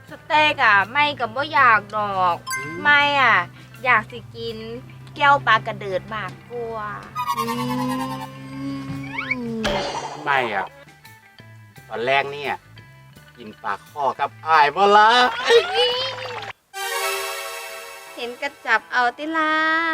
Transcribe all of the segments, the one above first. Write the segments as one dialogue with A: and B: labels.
A: สเต็กอ่ะไม่กับว่าอยากดอกไม่อ่ะอยากสิกินแก้วปลากระเดิดมากกว่า
B: ไม่อ่ะตอนแรกเนี่ยกินปลาข้อกับอ้ายบ่ละ
A: เห็นกระจับเอาติลา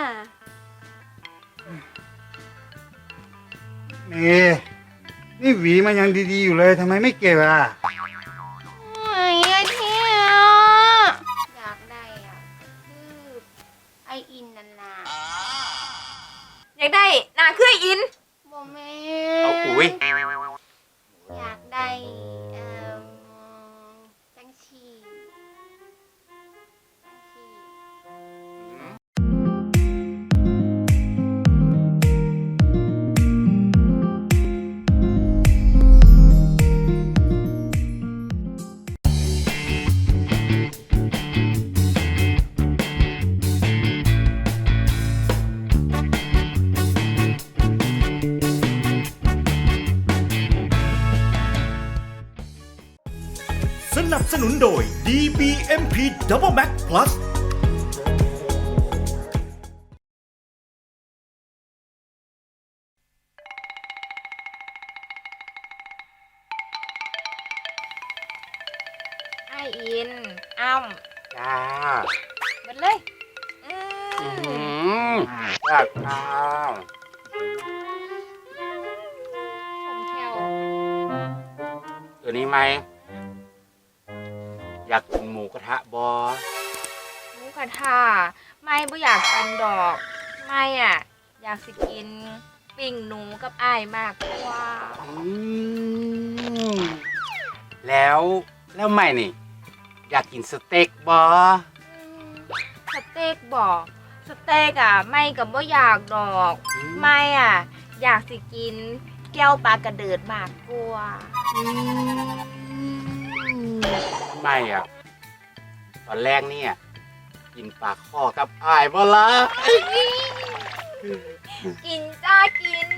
C: นี่หวีมันยังดีๆอยู่เลยทำไมไม่เก็บอ่ะ
A: ไอ้เที่ยอยากได้อ่ะคือไออินนั่นน่ะอยากได้นาคือไออินบ่แม่
B: เอาอุ้ย
A: อยากได้จังชี
D: สนับสนุนโดย DBMP Double Max Plus
A: ไออินอ้ำ
B: จ้า
A: หมดเลย
B: จ้าข้าว
A: ชมแคว
B: ตัวนี้ไหมอยากกินหมูกระทะบอ
A: หมูกระทะไม่บ่อยากกินดอกไม่อ่ะอยากสิกินปิ้งหนูกับอ้ายมากกว่า
B: แล้วไม่นี่อยากกินสเต็กบอ
A: สเต็กบอกสเต็กอ่ะไม่กับว่าอยากดอกไม่อ่ะอยากสิกินแก้วปลากระเดิดมากกว่า
B: ไม่อ่ะตอนแรกเนี่ยกินปลาข้อกับอ้ายบ่ละ
A: กินจ้ากิน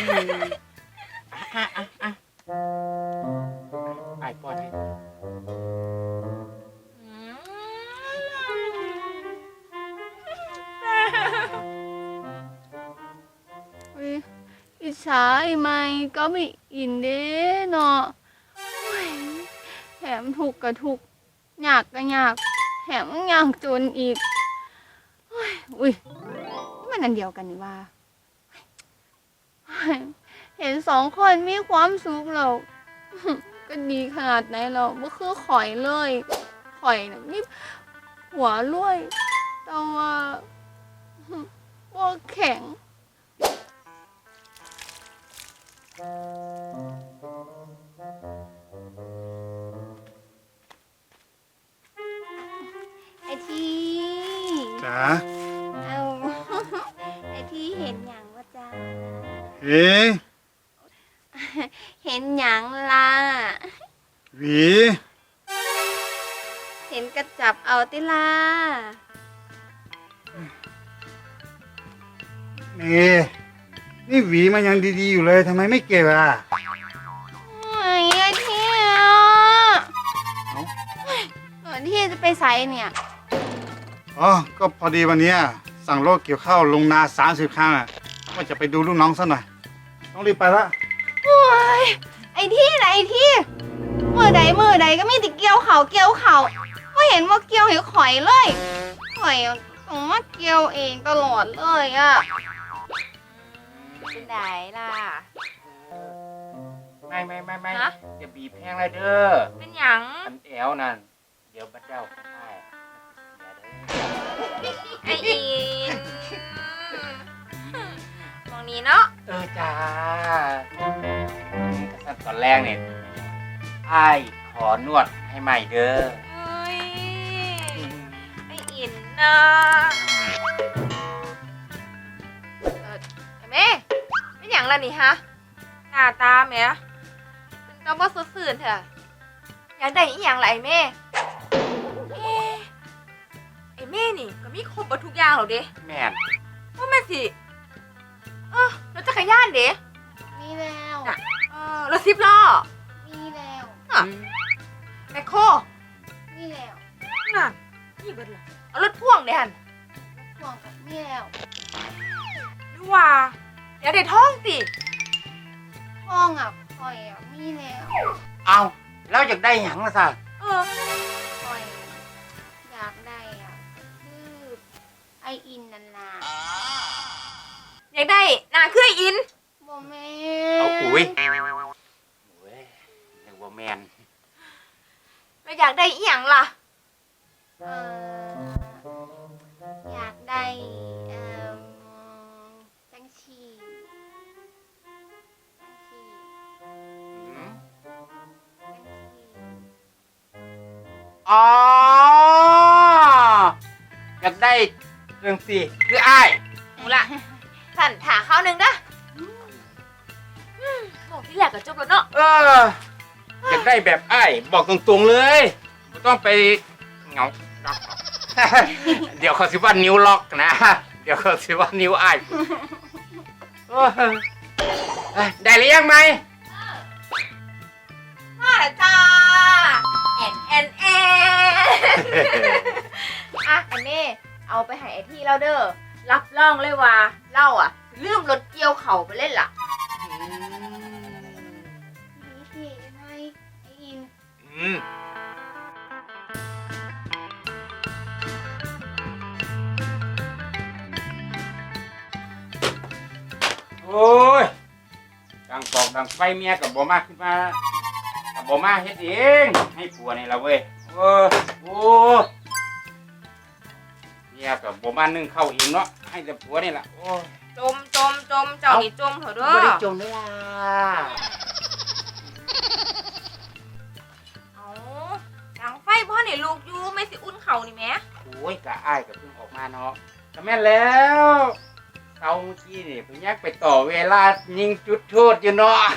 B: อ้ายป้อนให้
E: อิจฉาไอ้ไม่ก็ไม่อินเด้เนาะแถมถูกกับถูกยากก็ยากแถมยากจนอีกอุ้ยมันอันเดียวกันนี่ว่าเห็นสองคนมีความสุขแล้วก็ดีขนาดไหนเราไม่คือข่อยเลยข่อยน่ะนี่หัวรวยแต่ว่าแข็ง
A: ไอที
C: จ๋า
A: เอาไอทีเห็นอย่างว่าจ้าเห็นอย่างล่ะ
C: หวี
A: เห็นกระจับเอาติลา
C: นี่หวีมันยังดีๆอยู่เลยทำไมไม่เก็บอ่ะ
A: ไอ้เที่ยที่จะไปใส่เนี่ย
C: อ๋อก็พอดีวันนี้สั่งรถเกี่ยวข้าวลงนา30 ครั้งอ่ะว่าจะไปดูลูกน้องซะหน่อยต้องรีบไปละ
A: โอ้ยไอ้ที่ไหนไอ้ที่มือใดก็มีแต่เกี่ยวเขาก็เห็นว่าเกี่ยวเห็นข่อยเลยข่อยต้องมาเกี่ยวเองตลอดเลยอ่ะเป็นไดล่ะ
B: ไม่อย่าบีบแห้งเลยเด้อ
A: เป็นหยัง
B: อันแอวนั่นเดี๋ยวบัดเจ้าได้
A: ไออินมองนี้เนาะ
B: จ้าตอนแรกเนี่ยอ้ายขอนวดให้ใหม่เด้อ
A: ไออินนะแม่เป็นหยังล่ะนี่ฮะหน้าตาแม่เป็นกระบอกสื่นเถอะอยากได้อีหยังล่ะไอแม่ไอแม่นี่ก็มีครบทุกอย่างหรอเด้
B: แม่น
A: ว่าแม่สิรถจักรยานเด้
E: มีแล้ว
A: รถ10 ล้อ
E: มีแล้ว
A: แมคโคร
E: มีแล้ว
F: น่ะนี่เบิดล่ะเอารถพ่วงเด้หั่น
A: ห่วงกับเมียแล้ว
F: หรือว่าเดี๋ยวได้ท้องติ
A: ห้องอ่ะข่อยอ่ะมีแล้ว
B: เอาแล้วอยากได้หยังล่ะซะ
F: เออ
A: ข่อยอยากได้อ่ะคือไออินนันนา
F: อยากได้หน้าคือไอ้อิน
A: บ่แม่
B: เอาอุ้ยโอ้ยนึกว่าแมน
F: แล้วอยากได้อีหยังล่ะ
A: เอ่ออยากได้จังชีจังชี
B: อืม
A: จังชี
B: อ๋ออยากได้เรื่องสิคืออ้าย
F: หนูล่ะสั่นถาข้าวหนึ่งนะบอกที่แรกก็จบแล้วเนาะ
B: อยากได้แบบอ้ายบอกตรงๆเลยไม่ต้องไปเหงา ล็อกเดี๋ยวเขาสิว่านิ้วล็อกนะ เดี๋ยวเขาสิว่านิ้วอ้ายเอ้ยได้หรือยังไหม
F: มาแล้วจ้าแอนอ่ะอันนี้เอาไปให้ไอที่เราเด้อรับรองเลยว่าเล่าอ่ะลืมรถเกี่ยวเข่าไปเล่นล่ะ
A: นี่พี่ได้ไหมไออิน
B: อืมโอ้ยดังปอกดังไฟเมียกับบ่มาขึ้นมากับบ่มาเฮ็ดเองให้ผัวนี่ละเว้ยโอ้เมียกับบ่มานึ่งข้าวเองเนาะให้แต่ผัวนี่ล่ะโอ้ย
F: จมเจ้านี่จมเถอะเด้
B: บ่ได้
F: อ
B: จมเด้อล่ะ
F: เอาดังไฟพ่อนี่ลูกอยู่ไม่สิอุ่นเข่านี่แหม่
B: โอ้ยกะอ้ายกับเพิ่งออกมาเนาะก็แม่นแล้วเตาเมื่อกี้นี่เพิ่งยักไปต่อเวลายิงจุดโทษอยู่เนาะ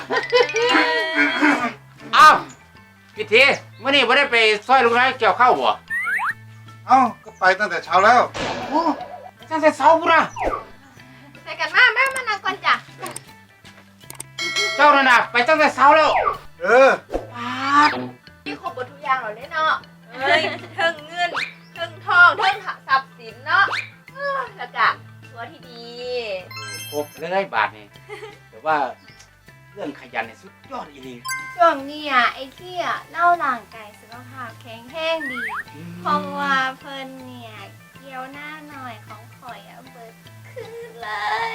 B: อ้าวพี่ทีเมื่อนี้ไม่ได้ไปซอยลุงน้อยเกี่ยวข้าวบ่
C: เอ้าก็ไปตั้งแต่เช้าแล้ว
B: โอ้ตั้งแต่เช้าพุ่นนะ
F: ใส่กันมาแม่มานั่งก่อนจ้ะ
B: เจ้านั่นน่ะไปตั้งแต่เช้าแล้ว
C: เออ
B: ปาด
F: มีครบหมดทุกอย่างแล้วเนาะเอ้ยเทิงเงินเทิงทองเทิงทรัพย์สินเนาะแล้วก็ตัวที่ดี
B: ครบเลยบาทนี่แต่ว่าเรื่องขยันเนี่ยสุดยอดอีหลี
A: ช่วงนี้อ่ะไอที่อ่ะเล่าร่างกายสุขภาพแข็งแรงดี เพราะว่าเพิ่นเนี่ยเกี่ยวหน้าหน่อยของข่อยอ่ะเบิดขึ้นเลย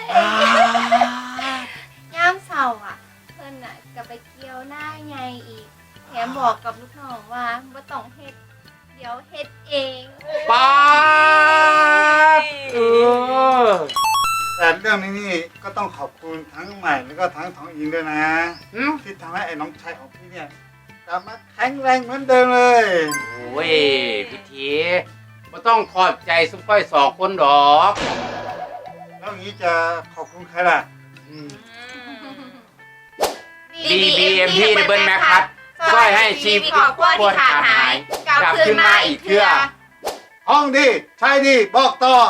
A: ย่ามเสาร์อ่ะ เพิ่นอ่ะก็ไปเกี่ยวหน้าไงอีกแถมบอกกับลูกน้องว่าบ่ต้องเฮ็ดเดี๋ยวเฮ็ดเอง
B: ปาด
C: แต่เรื่องนี้นี่ก็ต้องขอบคุณทั้งใหม่แล้วก็ทั้งทองอินด้วยนะ
B: หืม
C: ที่ทำให้ไอ้น้องชายของพี่เนี่ยกลับมาแข็งแรงเหมือนเดิมเลย
B: โอ้ยพี่ทีไม่ต้องขอบใจซุปเปอร์สองคนดอก
C: แล้วอย่างนี้จะขอบคุณใครล่ะ
B: DBMP Double Max ครับช่วยให้ชีวิต
F: ครอบครัวที่ขาดหายกลับคืนมาอีกเทื่อ
C: ห้องดีใช่ดีบอกต่อ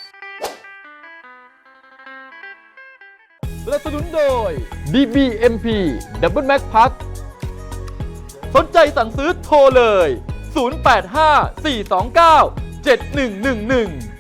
G: สนับสนุนโดย DBMP Double Max Pack สนใจสั่งซื้อโทรเลย 085 429 7111